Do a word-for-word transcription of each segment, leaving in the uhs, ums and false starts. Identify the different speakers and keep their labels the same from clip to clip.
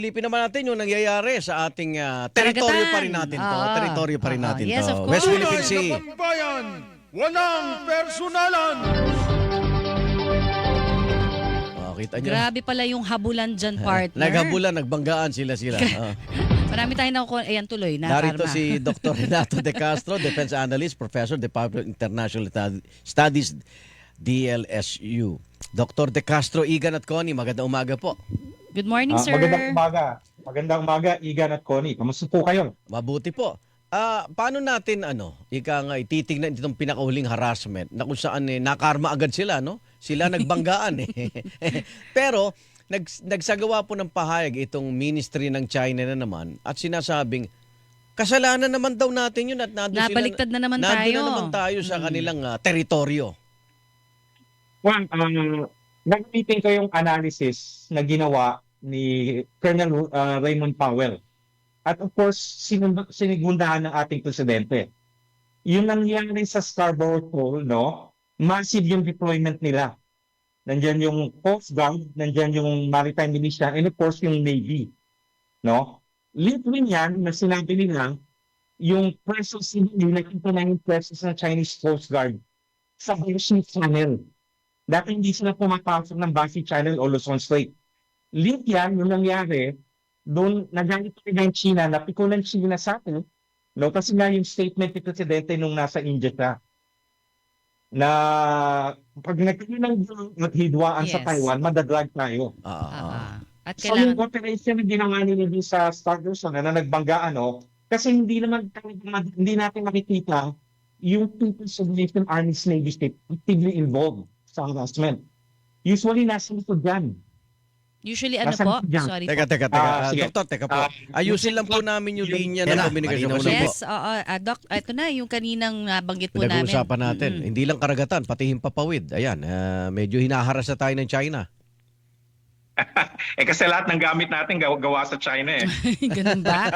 Speaker 1: Silipin naman natin yung nangyayari sa ating ah, teritoryo pa rin natin to.
Speaker 2: Oo.
Speaker 1: Teritoryo pa rin
Speaker 2: Oo.
Speaker 1: natin
Speaker 2: Yes,
Speaker 1: to.
Speaker 2: of course.
Speaker 1: West Philippine
Speaker 3: Tunay
Speaker 1: Sea.
Speaker 3: na pambayan, walang personalan.
Speaker 1: Oh, kita nyo.
Speaker 2: Grabe pala yung habulan dyan, partner.
Speaker 1: Naghabulan, nagbanggaan sila-sila. Oh.
Speaker 2: Marami tayong nakukuha. Ayan, tuloy na.
Speaker 1: Narito
Speaker 2: Karma.
Speaker 1: si Doctor Renato De Castro, Defense Analyst, Professor, Department of International Studies, D L S U. Doctor De Castro, Igan at Connie, magandang umaga po.
Speaker 2: Good morning,
Speaker 4: Ah,
Speaker 2: sir.
Speaker 4: magandang umaga. Magandang umaga, Igan at Connie. Kamusta po kayo?
Speaker 1: Mabuti po. Ah, paano natin ano, ika nga ititingnan itong pinakahuling harassment na kung saan eh, nakarma agad sila, no? Sila nagbanggaan eh. Pero nag, nagsagawa po ng pahayag itong ministry ng China na naman at sinasabing kasalanan naman daw natin yun at nandun
Speaker 2: Nabaliktad
Speaker 1: sila,
Speaker 2: na naman
Speaker 1: nandun
Speaker 2: tayo.
Speaker 1: na naman tayo sa
Speaker 2: Mm.
Speaker 1: kanilang ah, teritoryo.
Speaker 4: Juan, um, nag-meeting ko yung analysis na ginawa ni Colonel uh, Raymond Powell. At of course, sinund- sinigundahan ng ating presidente. Yung nangyari sa Scarborough Shoal, no? Massive yung deployment nila. Nandyan yung Coast Guard, nandyan yung Maritime Militia, and of course yung Navy. No? Link rin yan na sinabi nila yung presence nila, nakita na yung presence ng Chinese Coast Guard sa Bashi Channel. Dati hindi sila pumapasok ng Bashi Channel o Luzon Strait. Link yan, yung nangyari, doon nagalit pa rin ng China, napikulan China sa atin, no? Kasi nga yung statement ni Presidente nung nasa India siya, na pag nagkaroon ng at hidwaan sa
Speaker 2: Yes.
Speaker 4: Taiwan, madadrag tayo.
Speaker 1: Ah, ah, ah.
Speaker 2: Ah, at
Speaker 4: So yung
Speaker 2: kailangan,
Speaker 4: operation na ginawa nila din sa Stardust na nagbangga, ano, kasi hindi naman hindi natin makikita yung People's Liberation Army Navy state actively involved sa harassment. Usually, nasa likod yan.
Speaker 2: usually ano
Speaker 4: Nasaan
Speaker 2: po?
Speaker 4: dyan?
Speaker 2: Sorry
Speaker 1: Teka,
Speaker 2: po.
Speaker 1: teka, teka.
Speaker 4: Ah,
Speaker 1: Ah,
Speaker 4: sige.
Speaker 1: doktor, teka po.
Speaker 4: Ah,
Speaker 1: Ayusin lang po namin yung linya
Speaker 4: Yan
Speaker 1: ng
Speaker 4: na,
Speaker 1: komunikasyon.
Speaker 4: malinaw
Speaker 1: Kasi
Speaker 4: na
Speaker 1: po,
Speaker 2: Yes, oo. ah, Doc, ito na yung kaninang nabanggit po namin.
Speaker 1: pinag-uusapan natin.
Speaker 2: Mm-mm.
Speaker 1: Hindi lang karagatan, pati himpapawid. Ayan, ah, medyo hinaharas na tayo ng China.
Speaker 5: Eh kasi lahat ng gamit natin gawa, gawa sa China eh.
Speaker 2: Ganun ba?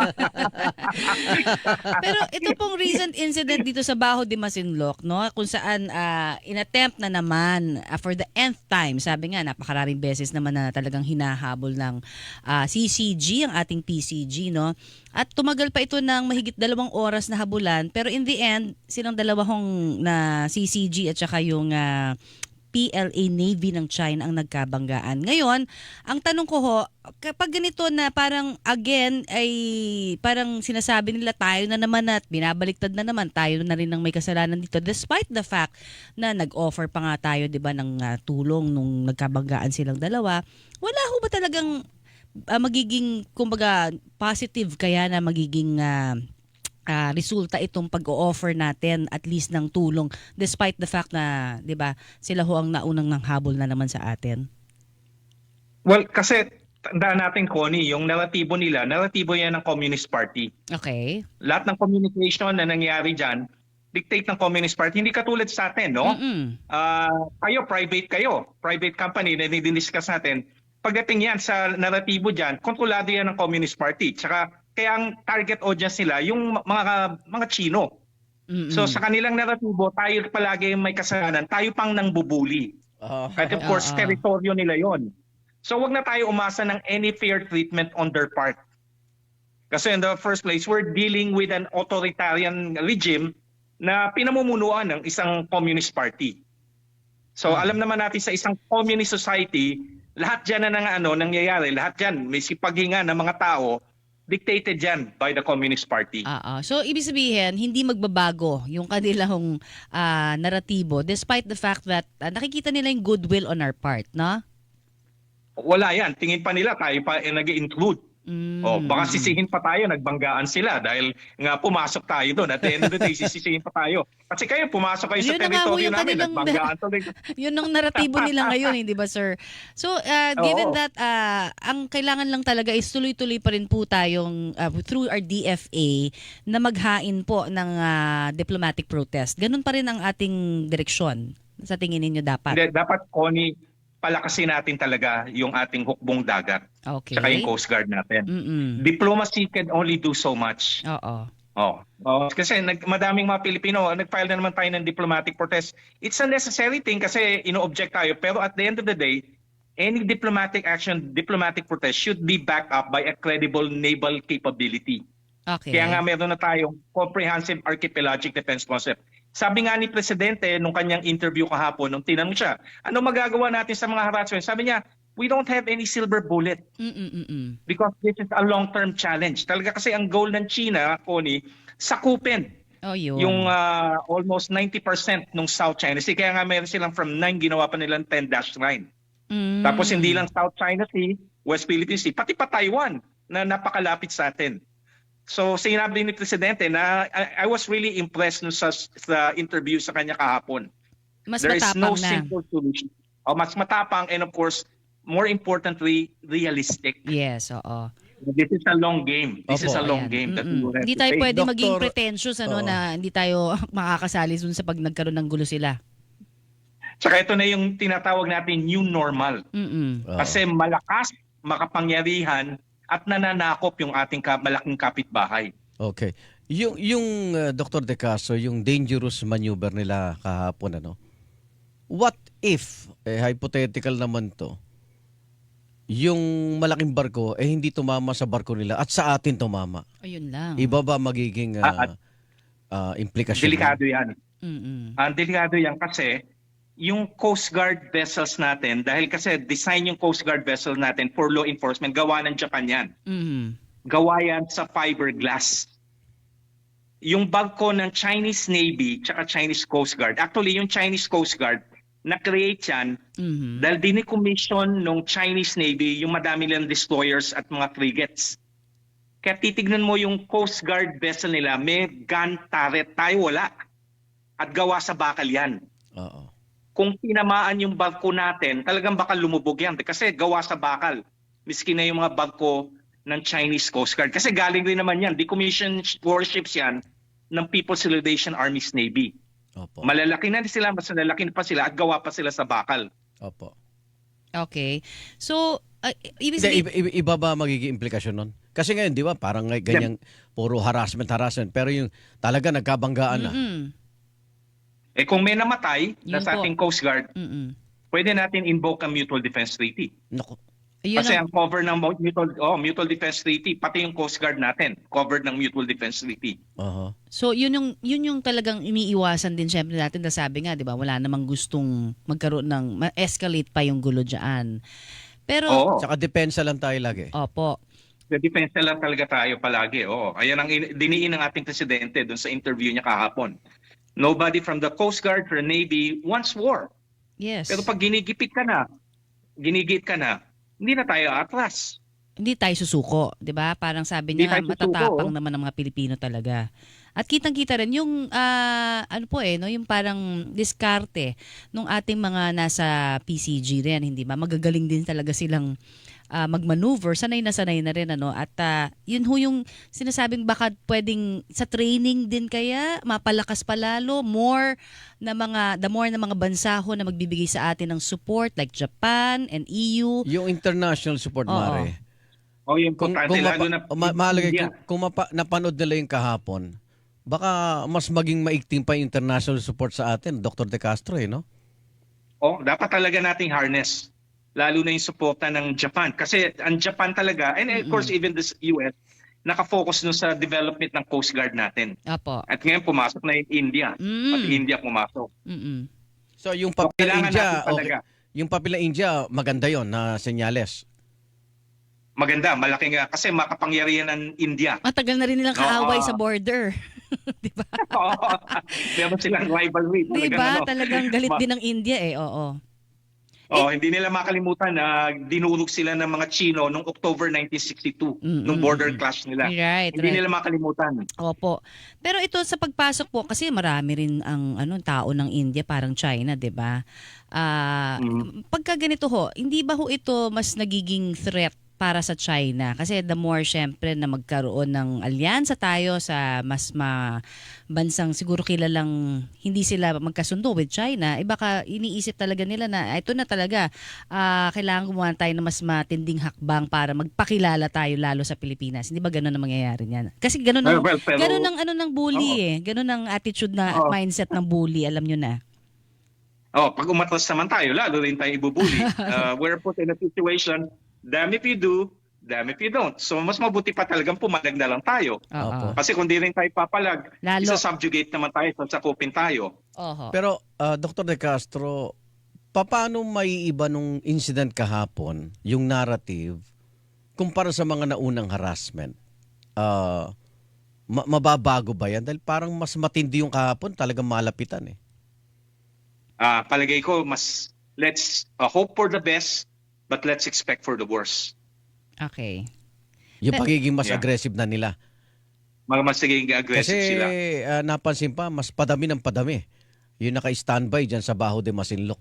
Speaker 2: Pero ito pong recent incident dito sa Baho de Masinloc, no, kung saan ah, inattempt na naman ah, for the nth time, sabi nga napakaraming beses naman na talagang hinahabol ng ah, C C G, ang ating P C G, no? At tumagal pa ito ng mahigit dalawang oras na habulan, pero in the end, silang dalawang na C C G at saka yung ah, P L A Navy ng China ang nagkabanggaan. Ngayon, ang tanong ko ho, kapag ganito na parang again ay parang sinasabi nila tayo na naman at binabaliktad na naman, tayo na rin ang may kasalanan dito despite the fact na nag-offer pa nga tayo, 'di ba, ng ah, tulong nung nagkabanggaan silang dalawa. Wala ho ba talagang ah, magiging kumbaga positive kaya na magiging ah, ah, resulta itong pag-o-offer natin at least ng tulong despite the fact na, 'di ba, sila ho ang naunang nang habol na naman sa atin?
Speaker 5: Well, kasi tandaan natin, Connie, yung naratibo nila, naratibo yan ng Communist Party.
Speaker 2: Okay.
Speaker 5: Lahat ng communication na nangyari dyan, dictate ng Communist Party. Hindi katulad sa atin, no?
Speaker 2: Mm-mm.
Speaker 5: Ah, kayo, private kayo. Private company na dinidiscuss natin. Pagdating yan sa naratibo dyan, kontrolado yan ng Communist Party. Tsaka kaya ang target audience nila, yung mga mga Chino.
Speaker 2: Mm-mm.
Speaker 5: So sa kanilang naratibo, tayo palagi may kasalanan, tayo pang nang bubuli.
Speaker 1: Ah,
Speaker 5: At of course,
Speaker 2: Oo.
Speaker 5: teritoryo nila yon. So wag na tayo umasa ng any fair treatment on their part. Kasi in the first place, we're dealing with an authoritarian regime na pinamumunuan ng isang communist party. So alam naman natin sa isang communist society, lahat dyan na nang, ano, nangyayari, lahat dyan, may sipaghinga ng mga tao, dictated dyan by the Communist Party.
Speaker 2: Oo. So, ibig sabihin, hindi magbabago yung kanilang ah, naratibo despite the fact that ah, nakikita nila yung goodwill on our part, no?
Speaker 5: Wala yan. Tingin pa nila tayo pa eh, nag-include.
Speaker 2: Mm.
Speaker 5: Oh, baka sisihin pa tayo, nagbanggaan sila dahil nga pumasok tayo doon. At the end of the day, sisisihin pa tayo. Kasi kayo, pumasok kayo sa
Speaker 2: Yun na nga ho
Speaker 5: teritoryo
Speaker 2: yung
Speaker 5: namin,
Speaker 2: kanilang-
Speaker 5: nagbanggaan tuloy.
Speaker 2: Yun ang naratibo nila ngayon, hindi ba, sir? So, uh, given
Speaker 5: Oo.
Speaker 2: that ah, ang kailangan lang talaga is tuloy-tuloy pa rin po tayong ah, through our D F A na maghain po ng ah, diplomatic protest. Ganun pa rin ang ating direksyon. Sa tingin ninyo dapat?
Speaker 5: Hindi, dapat, Connie, palakasin natin talaga yung ating hukbong dagat.
Speaker 2: Okay.
Speaker 5: Tsaka yung Coast Guard natin.
Speaker 2: Mm-mm.
Speaker 5: Diplomacy can only do so much.
Speaker 2: Oo.
Speaker 5: Oh. oh kasi nag, madaming mga Pilipino, nag-file na naman tayo ng diplomatic protest. It's a necessary thing kasi ino-object tayo. Pero at the end of the day, any diplomatic action, diplomatic protest should be backed up by a credible naval capability.
Speaker 2: Okay.
Speaker 5: Kaya nga meron na tayong comprehensive archipelagic defense concept. Sabi nga ni Presidente nung kanyang interview kahapon, nung tinanong siya, ano magagawa natin sa mga harassment? Sabi niya, we don't have any silver bullet
Speaker 2: Mm-mm-mm.
Speaker 5: because this is a long-term challenge. Talaga kasi ang goal ng China, Connie, sakupin
Speaker 2: Oh, yun.
Speaker 5: yung ah, almost ninety percent ng South China Sea. Kaya nga meron silang from nine, ginawa pa nilang ten dash nine.
Speaker 2: Mm.
Speaker 5: Tapos hindi lang South China Sea, West Philippine Sea, pati pa Taiwan na napakalapit sa atin. So sinabi ni Presidente na I, I was really impressed no sa, sa interview sa kanya kahapon.
Speaker 2: Mas
Speaker 5: There is no
Speaker 2: matapang na.
Speaker 5: simple solution. O mas matapang and of course, more importantly, realistic.
Speaker 2: Yes, oo.
Speaker 5: This is a long game. This
Speaker 1: Opo,
Speaker 5: is a long
Speaker 2: Ayan.
Speaker 5: game. that we
Speaker 2: Mm-mm.
Speaker 5: will have
Speaker 2: Hindi
Speaker 5: to
Speaker 2: tayo
Speaker 5: face.
Speaker 2: pwede maging
Speaker 1: Doktor,
Speaker 2: pretentious ano
Speaker 1: oo.
Speaker 2: na hindi tayo makakasali dun sa pag nagkaroon ng gulo sila.
Speaker 5: Tsaka ito na yung tinatawag natin new normal.
Speaker 2: Mm-mm.
Speaker 1: Oo.
Speaker 5: Kasi malakas, makapangyarihan, at nananakop yung ating ka- malaking kapitbahay.
Speaker 1: Okay. Yung yung uh, Doctor De Castro, yung dangerous maneuver nila kahapon ano. What if eh hypothetical naman to. Yung malaking barko eh hindi tumama sa barko nila at sa atin tumama.
Speaker 2: Ayun lang.
Speaker 1: Iba ba magiging uh,
Speaker 5: Ah, at-
Speaker 1: uh, implikasyon?
Speaker 5: Delikado yan.
Speaker 2: Mm-mm.
Speaker 5: Ang delikado yan kasi yung Coast Guard vessels natin, dahil kasi design yung Coast Guard vessel natin for law enforcement, gawa ng Japan yan.
Speaker 2: Mm-mm.
Speaker 5: Gawa yan sa fiberglass. Yung barko ng Chinese Navy tsaka Chinese Coast Guard, actually yung Chinese Coast Guard, na-create yan
Speaker 2: Mhm.
Speaker 5: dahil dinicommission ng Chinese Navy yung madami nilang destroyers at mga frigates. Kaya titignan mo yung Coast Guard vessel nila, may gun turret, tayo wala. At gawa sa bakal yan.
Speaker 1: Oo.
Speaker 5: Kung tinamaan yung barko natin, talagang baka lumubog yan kasi gawa sa bakal. Miski na yung mga barko ng Chinese Coast Guard. Kasi galing rin naman yan, decommissioned warships yan ng People's Liberation Army's Navy.
Speaker 1: Opo.
Speaker 5: Malalaki na sila, mas malalaki na pa sila at gawa pa sila sa bakal.
Speaker 1: Opo.
Speaker 2: Okay. So, uh, ibig
Speaker 1: Hindi,
Speaker 2: sabihin,
Speaker 1: iba, iba, iba ba magiging implikasyon nun? Kasi ngayon, di ba, parang ngay- ganyang puro harassment, harassment. Pero yung talaga nagkabanggaan na.
Speaker 2: Mm-mm.
Speaker 5: Eh kung may namatay na
Speaker 2: Yun
Speaker 5: sa
Speaker 2: po.
Speaker 5: ating Coast Guard,
Speaker 2: Mm-mm.
Speaker 5: pwede natin invoke ang Mutual Defense Treaty.
Speaker 1: Naku.
Speaker 2: Ayun
Speaker 5: Kasi
Speaker 2: ang-
Speaker 5: ang cover ng mo- Mutual, oh, Mutual Defense Treaty, pati yung Coast Guard natin, covered ng Mutual Defense Treaty.
Speaker 1: Aha.
Speaker 2: So yun yung yun yung talagang iniiwasan din syempre natin, na sabi nga 'di ba, wala namang gustong magkaroon ng ma-escalate pa yung gulo diyan. Pero
Speaker 5: Oo.
Speaker 1: Tsaka depensa lang tayo lagi.
Speaker 2: opo.
Speaker 5: The defense lang talaga tayo palagi. Oo. Ayan ang in- diniin ng ating presidente doon sa interview niya kahapon. Nobody from the Coast Guard or Navy wants war.
Speaker 2: Yes.
Speaker 5: Pero pag ginigipit ka na, ginigit ka na, hindi na tayo atras.
Speaker 2: Hindi tayo susuko, 'di ba? Parang sabi
Speaker 5: Hindi
Speaker 2: niya
Speaker 5: tayo susuko,
Speaker 2: matatapang
Speaker 5: oh.
Speaker 2: naman ng mga Pilipino talaga. At kitang-kita rin yung ah, ano po eh, no, yung parang diskarte nung ating mga nasa P C G rin, hindi ba? Magagaling din talaga silang ah, mag-maneuver, sanay na sanay na rin ano. At ah, yun ho yung sinasabing baka pwedeng sa training din kaya mapalakas pa lalo more na mga the more na mga bansa ho na magbibigay sa atin ng support like Japan and E U.
Speaker 1: Yung international support,
Speaker 2: Oo.
Speaker 1: Mare.
Speaker 5: O yung
Speaker 1: Kung,
Speaker 5: importante,
Speaker 1: kung,
Speaker 5: lalo
Speaker 1: mapa,
Speaker 5: na
Speaker 1: ma- mahalaga,
Speaker 5: India.
Speaker 1: kung, kung mapa, napanood nila yung kahapon, baka mas maging maigting pa yung international support sa atin, Doctor De Castro, eh, no?
Speaker 5: Oh, dapat talaga nating harness. Lalo na yung suporta ng Japan. Kasi ang Japan talaga, and of course even the U S, nakafocus no sa development ng Coast Guard natin.
Speaker 2: Apo.
Speaker 5: At ngayon pumasok na yung India.
Speaker 2: Mm.
Speaker 5: Pati India pumasok.
Speaker 2: Mm-mm.
Speaker 1: So, yung
Speaker 5: So,
Speaker 1: papel ng
Speaker 5: kailangan
Speaker 1: India,
Speaker 5: natin
Speaker 1: okay.
Speaker 5: talaga.
Speaker 1: Yung papel ng India, maganda yon na senyales.
Speaker 5: Maganda, malaki nga. Kasi makapangyarihan ng India.
Speaker 2: Matagal na rin nilang kaaway
Speaker 5: Oo.
Speaker 2: sa border. 'Di ba?
Speaker 5: Oo. Meron silang rivalry.
Speaker 2: 'Di
Speaker 5: Talagang
Speaker 2: ba?
Speaker 5: ano,
Speaker 2: Talagang galit
Speaker 5: ma-
Speaker 2: din ng India eh. Oo.
Speaker 5: Oh, hindi nila makalimutan na dinurog sila ng mga Chino noong October nineteen sixty-two,
Speaker 2: Mm,
Speaker 5: nung
Speaker 2: mm,
Speaker 5: border
Speaker 2: mm.
Speaker 5: clash nila.
Speaker 2: Right,
Speaker 5: Hindi
Speaker 2: right.
Speaker 5: nila makalimutan.
Speaker 2: Opo. Pero ito sa pagpasok po kasi marami rin ang ano tao ng India parang China, 'di ba? Ah,
Speaker 5: Mm.
Speaker 2: pagka ganito ho, hindi ba ho ito mas nagiging threat para sa China? Kasi the more syempre na magkaroon ng alyansa tayo sa mas ma bansang siguro kilalang hindi sila magkasundo with China, eh baka iniisip talaga nila na ito na talaga ah, kailangan gumawa tayo ng mas matinding hakbang para magpakilala tayo lalo sa Pilipinas. Hindi ba ganun ang mangyayari niyan? Kasi ganun ang,
Speaker 5: Well, well, pero-
Speaker 2: ganun ang ano ng bully
Speaker 5: Oo.
Speaker 2: eh. Ganun ang attitude na
Speaker 5: Oo.
Speaker 2: mindset ng bully, alam nyo na.
Speaker 5: Oh, pag umatras naman tayo, lalo rin tayo ibubuli. Uh, we're put in a situation, damn if you do, damn if you don't. So mas mabuti pa talagang pumalag na lang tayo.
Speaker 2: Oo.
Speaker 5: Kasi kung di rin tayo papalag,
Speaker 2: Lalo.
Speaker 5: isa-subjugate naman tayo, sasakupin tayo.
Speaker 2: Oho.
Speaker 1: Pero uh, Doctor De Castro, paano maiiba nung incident kahapon, yung narrative, kumpara sa mga naunang harassment? Uh, ma- mababago ba yan? Dahil parang mas matindi yung kahapon, talagang malapitan eh.
Speaker 5: Ah, palagay ko, mas let's uh, hope for the best, but let's expect for the worst.
Speaker 2: Okay.
Speaker 1: Yung
Speaker 2: Pe-
Speaker 1: pagiging mas
Speaker 5: Yeah.
Speaker 1: aggressive na nila.
Speaker 5: Mga mas naging aggressive
Speaker 1: Kasi
Speaker 5: sila.
Speaker 1: uh, napansin pa, mas padami ng padami. Yung naka-standby dyan sa Baho de Masinloc.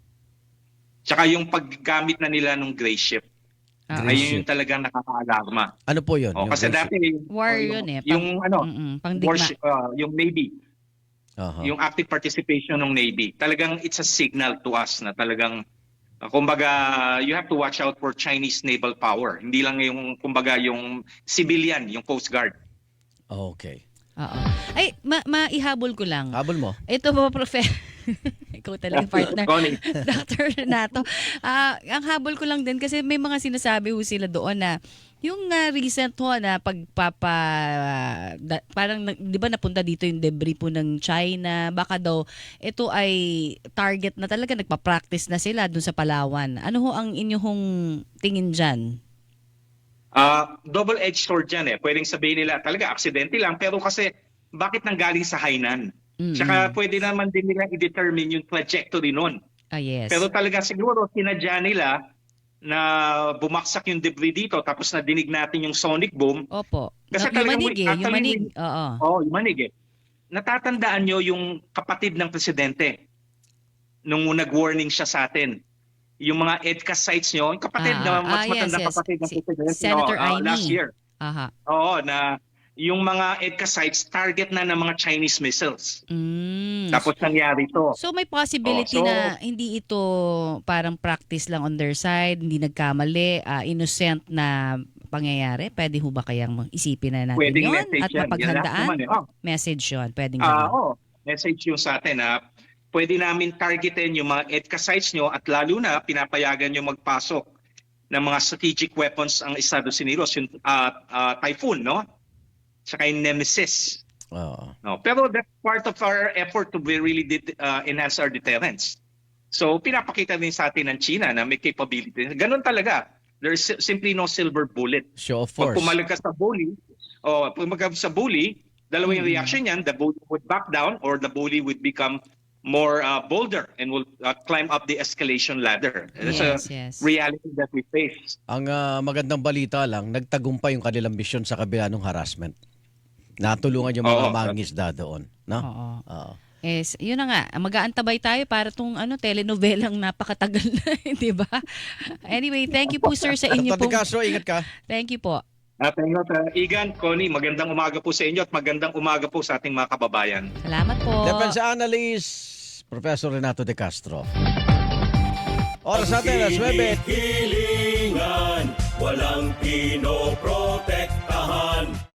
Speaker 5: Tsaka yung paggamit na nila ng gray ship,
Speaker 2: Ah,
Speaker 1: Gray
Speaker 5: ayun
Speaker 1: ship.
Speaker 5: yung talagang nakakaalarma.
Speaker 1: Ano po yun?
Speaker 5: Oh,
Speaker 1: Yung
Speaker 5: kasi
Speaker 1: gray
Speaker 5: dati,
Speaker 2: War
Speaker 5: oh,
Speaker 2: yun eh.
Speaker 5: Yung, ano,
Speaker 2: Mm-mm, pangdigma.
Speaker 5: warship, uh, yung Navy,
Speaker 1: ship? Aha.
Speaker 5: yung active participation ng Navy, talagang it's a signal to us na talagang, uh, kumbaga, you have to watch out for Chinese naval power. Hindi lang yung, kumbaga, yung civilian, yung Coast Guard.
Speaker 1: Okay.
Speaker 2: Oo. Ay, ma- maihabol ko lang.
Speaker 1: Habol mo.
Speaker 2: Ito po, profe. Ikaw talaga partner.
Speaker 5: Connie.
Speaker 2: Doctor Renato. Ah, ang habol ko lang din kasi may mga sinasabi ho sila doon na yung ah, recent ho na pagpapa da- parang nag- 'di ba napunta dito yung debris po ng China, baka daw ito ay target na talaga, nagpa-practice na sila doon sa Palawan. Ano ho ang inyong tingin diyan?
Speaker 5: Uh, double-edged sword yan eh. Pwedeng sabihin nila, talaga, aksidente lang. Pero kasi, bakit nanggaling sa Hainan?
Speaker 2: Mm-mm.
Speaker 5: Tsaka pwede naman din nila i-determine yung trajectory nun.
Speaker 2: Ah, yes.
Speaker 5: Pero talaga siguro, sinadya nila na bumaksak yung debris dito tapos nadinig natin yung sonic boom.
Speaker 2: Opo.
Speaker 5: Kasi
Speaker 2: yung
Speaker 5: talagang
Speaker 2: manig
Speaker 5: we-
Speaker 2: eh, yung
Speaker 5: actually
Speaker 2: manig.
Speaker 5: we-
Speaker 2: Oo.
Speaker 5: Oo, oh, yung manig eh. Natatandaan nyo yung kapatid ng presidente nung nag-warning siya sa atin. Yung mga EDCA sites nyo, yung kapatid
Speaker 2: Ah,
Speaker 5: na mas
Speaker 2: ah, yes,
Speaker 5: matanda
Speaker 2: yes.
Speaker 5: kapatid ng
Speaker 2: Si-
Speaker 5: presidente
Speaker 2: Senator
Speaker 5: no, uh,
Speaker 2: Aimee.
Speaker 5: last year.
Speaker 2: Aha.
Speaker 5: Oo, na yung mga EDCA sites target na ng mga Chinese missiles.
Speaker 2: Mm.
Speaker 5: Tapos nangyari to.
Speaker 2: So may possibility
Speaker 5: Oh, so-
Speaker 2: na hindi ito parang practice lang on their side, hindi nagkamali, ah, innocent na pangyayari? Pwede ho ba kayang isipin na natin
Speaker 5: Pwedeng
Speaker 2: yun
Speaker 5: message
Speaker 2: at
Speaker 5: yan. Yan lahat
Speaker 2: mapaghandaan?
Speaker 5: naman eh. Oh,
Speaker 2: Message yun, pwedeng
Speaker 5: ah,
Speaker 2: ganun.
Speaker 5: oh, message yung sa atin na pwede namin targetin yung mga EDCA sites nyo at lalo na pinapayagan nyo magpasok ng mga strategic weapons ang Estados Unidos, yung ah, ah, Typhoon, no? Tsaka yung Nemesis.
Speaker 1: Oo.
Speaker 5: No? Pero that's part of our effort to be really det- uh, enhance our deterrence. So pinapakita din sa atin ng China na may capability. Ganun talaga. There's si- simply no silver bullet.
Speaker 1: Show of
Speaker 5: Pag
Speaker 1: force.
Speaker 5: pumalag ka sa bully, o pag pumalag sa bully, dalawa yung
Speaker 2: Mm.
Speaker 5: reaction niyan, the bully would back down or the bully would become more uh, bolder and will uh, climb up the escalation ladder. That's
Speaker 2: Yes,
Speaker 5: a
Speaker 2: yes.
Speaker 5: reality that we face.
Speaker 1: Ang ah, magandang balita lang, nagtagumpay yung kanilang misyon sa kabila ng harassment. Natulungan yung mga
Speaker 5: Oo.
Speaker 1: mangingisda doon. No?
Speaker 2: Oo.
Speaker 1: Oo.
Speaker 2: Yes, yun na nga. Mag-aantabay tayo para tong ano, telenovelang napakatagal na, di ba? Anyway, thank you po sir sa inyo
Speaker 1: Doctor De
Speaker 2: pong...
Speaker 1: Castro, ingat ka.
Speaker 2: Thank you po.
Speaker 5: At ayun, uh, Igan, Connie, magandang umaga po sa inyo at magandang umaga po sa ating mga kababayan.
Speaker 2: Salamat po.
Speaker 1: Defense Analyst, Professor Renato De Castro. Oras natin, alas nuwebe.
Speaker 6: Hilingan, walang pinoprotektahan.